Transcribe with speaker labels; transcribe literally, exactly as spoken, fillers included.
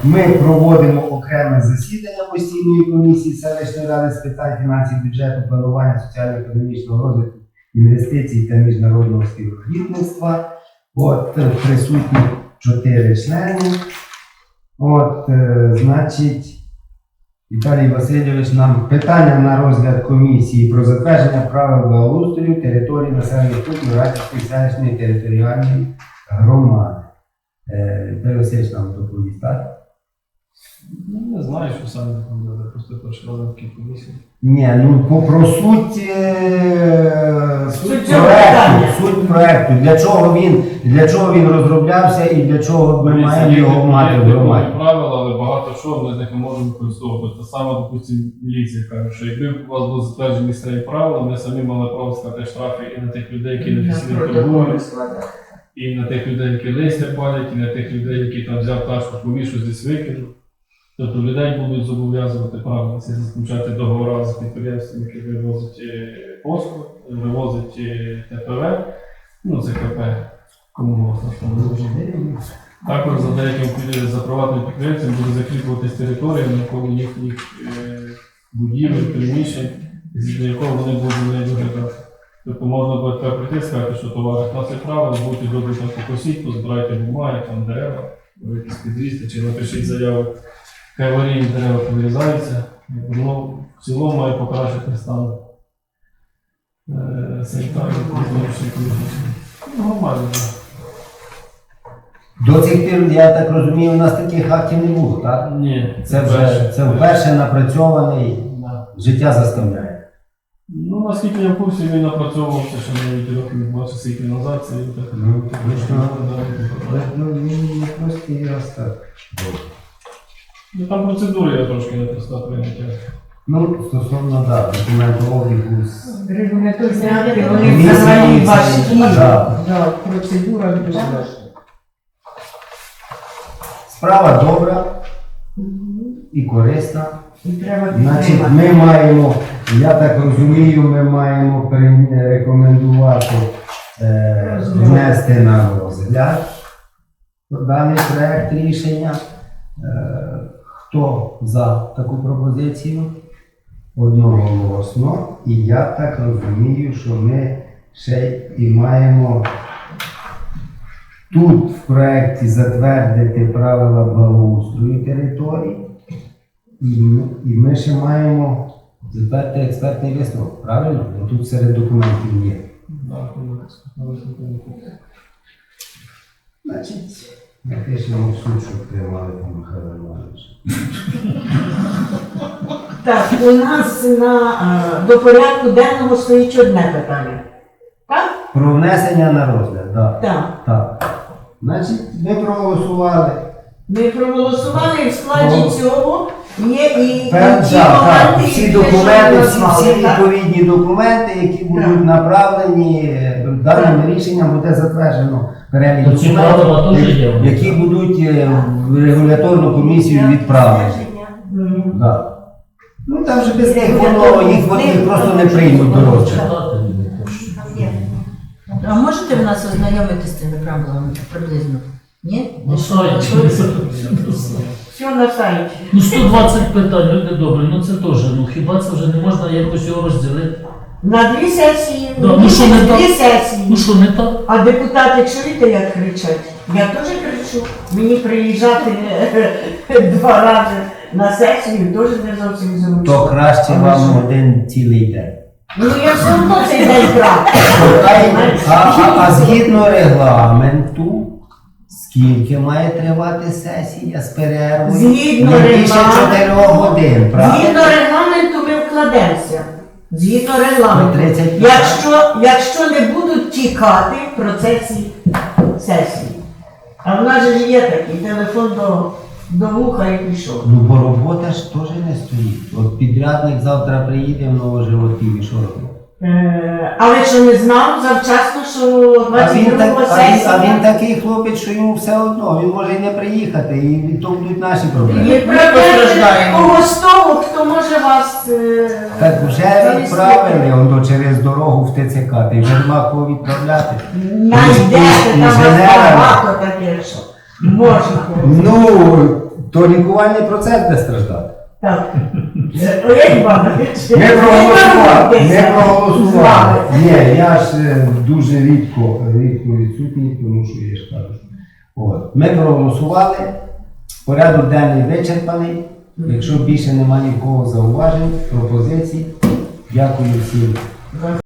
Speaker 1: ми проводимо окреме засідання постійної комісії селищної ради з питань фінансів, бюджету, планування соціально-економічного розвитку, інвестицій та міжнародного співробітництва. От, присутні чотири члени. От, е, значить, Віталій Васильович нам питання на розгляд комісії про затвердження правил благоустрою території населених пунктів Радівської селищної територіальної громади. Е, Віталій Васильович нам доповість, так?
Speaker 2: Ну, не знаю, що саме буде, просто перший раз на такій комісії.
Speaker 1: Ні, ну по, про суть, е, суть,
Speaker 3: Суть цього
Speaker 1: проекту,
Speaker 3: питання.
Speaker 1: суть проекту, для чого він, для чого він розроблявся і для чого ми маємо його мати в громаді.
Speaker 2: Є правила, але багато що ми з них не можемо використовувати. Те саме, допустимо, міліція каже, що якби у вас були затверджені місцеві правила, ми самі мали право сказати штрафи і на тих людей, які не фізично торгують, і на тих людей, які листя палять, і на тих людей, які там взяв тачку, повішу, десь викинув. Тобто людей будуть зобов'язувати правильно це заключати договори з підприємствами, які вивозять е, послуг, вивозять е, Т П В, ну це К П, кому можна там вивозити. Також за деяким під- за приватним підприємцям буде закріплюватись територія навколо їхніх е, будівель, приміщень, згідно якого вони будуть за нею доглядати. Тобто можна буде тепер прийти і сказати, що товариш на це правило, будете добре там покосіть, позбирайте бумаги, там дерева, якісь підрізти, чи напишіть заяву. Хай аварійні дерева повирізаються, воно в цілому має покращити стан е, санітарної економічної екологічної. Ну, нормально, так.
Speaker 1: До цих пір, я так розумію, у нас таких актів не було, так?
Speaker 2: Ні,
Speaker 1: Це вже це вперше напрацьований,
Speaker 2: Да.
Speaker 1: життя заставляє.
Speaker 2: Ну, наскільки я в курсі, він напрацьовувався ще навіть років двадцять скільки назад, це і так.
Speaker 1: Ну, точно.
Speaker 2: Да.
Speaker 1: Ну, він не простий раз так.
Speaker 2: Ну, там процедури я трошки не проста прийняття.
Speaker 1: Ну, стосовно, да, документообігу з
Speaker 3: Регуляторні акти, вони
Speaker 1: Комісії,
Speaker 3: взагалі
Speaker 1: це-
Speaker 3: важкі.
Speaker 1: да.
Speaker 3: Да, процедура дуже важка.
Speaker 1: Справа добра і корисна.
Speaker 3: І треба
Speaker 1: Значить,
Speaker 3: підтримати.
Speaker 1: ми маємо, я так розумію, ми маємо пере- рекомендувати е, внести на розгляд даний проект рішення. Е, хто за таку пропозицію? Одноголосно. І я так розумію, що ми ще і маємо тут в проєкті затвердити правила благоустрою території. І ми, і ми ще маємо затвердити експертний висновок, правильно? Бо тут серед документів є.
Speaker 2: Да, ну, висновку.
Speaker 1: Значить, напишемо в суд, щоб приймали там Михайло Іванович.
Speaker 3: Так, у нас на, е, до порядку денного стоїть одне питання. Так?
Speaker 1: Про внесення на розгляд, так.
Speaker 3: Так.
Speaker 1: Так. Значить, ми проголосували.
Speaker 3: Ми проголосували і в складі
Speaker 1: О.
Speaker 3: цього є і
Speaker 1: Пер-
Speaker 3: ті
Speaker 1: так, так.
Speaker 3: моменти,
Speaker 1: Всі
Speaker 3: які ви
Speaker 1: документи,
Speaker 3: щойно
Speaker 1: всі,
Speaker 3: назвали,
Speaker 1: всі
Speaker 3: так?
Speaker 1: відповідні документи, які будуть направлені, е, даним рішенням буде затверджено перелік
Speaker 4: То ці правила
Speaker 1: документів,
Speaker 4: теж є?
Speaker 1: які будуть е, в регуляторну комісію відправлені.
Speaker 3: Мгм.
Speaker 1: Да. Ну там же без них воно, їх вони їх просто не приймуть до розгляду.
Speaker 5: А можете ви нас ознайомити з цими правилами приблизно? Ні?
Speaker 4: Ну, сайт.
Speaker 3: Все на сайті.
Speaker 4: Ну сто двадцять питань, люди добрі, ну це теж, ну хіба це вже не можна якось його розділити?
Speaker 3: На дві сесії,
Speaker 4: Да, ну що не так?
Speaker 3: дві сесії.
Speaker 4: Ну що, не так?
Speaker 3: А депутати чуєте, як кричать? Я теж кричу. Мені приїжджати два рази на сесію теж не зовсім зручно.
Speaker 1: То краще вам один цілий день.
Speaker 3: Ну я все одно цей день крав.
Speaker 1: А, а, а згідно регламенту, скільки має тривати сесія з перервою?
Speaker 3: Згідно
Speaker 1: Не більше
Speaker 3: регламенту.
Speaker 1: чотирьох годин, правильно?
Speaker 3: Згідно регламенту ми вкладемося. Згідно регламенту.
Speaker 1: Ну, тридцять п'ять.
Speaker 3: Якщо, якщо не будуть тікати в процесі сесії. А в нас же ж є такий телефон до, до вуха і пішов.
Speaker 1: Ну бо робота ж теж не стоїть. От підрядник завтра приїде в Новоживотів і що робить?
Speaker 3: Е, але що не знав завчасно, що
Speaker 1: А він,
Speaker 3: двадцять
Speaker 1: так,
Speaker 3: другого
Speaker 1: а, він,
Speaker 3: сесія.
Speaker 1: а він такий хлопець, що йому все одно, він може і не приїхати, і то будуть наші проблеми.
Speaker 3: Відправляйте когось того, хто може вас... е,
Speaker 1: Так вже
Speaker 3: завести.
Speaker 1: відправили воно через дорогу в Т Ц К, ти вже нема кого відправляти.
Speaker 3: Знайдете, там вас
Speaker 1: Інженера.
Speaker 3: багато таке, що можна.
Speaker 1: Ну, то лікувальний процес буде страждати.
Speaker 3: Так. Олег Іванович,
Speaker 1: Ми проголосували. Ми
Speaker 3: З
Speaker 1: проголосували.
Speaker 3: вами.
Speaker 1: Ні, я ж е, дуже рідко, рідко відсутній, тому що я ж кажу. От. Ми проголосували, порядок денний вичерпаний. Якщо більше немає нікого зауважень, пропозицій, дякую всім.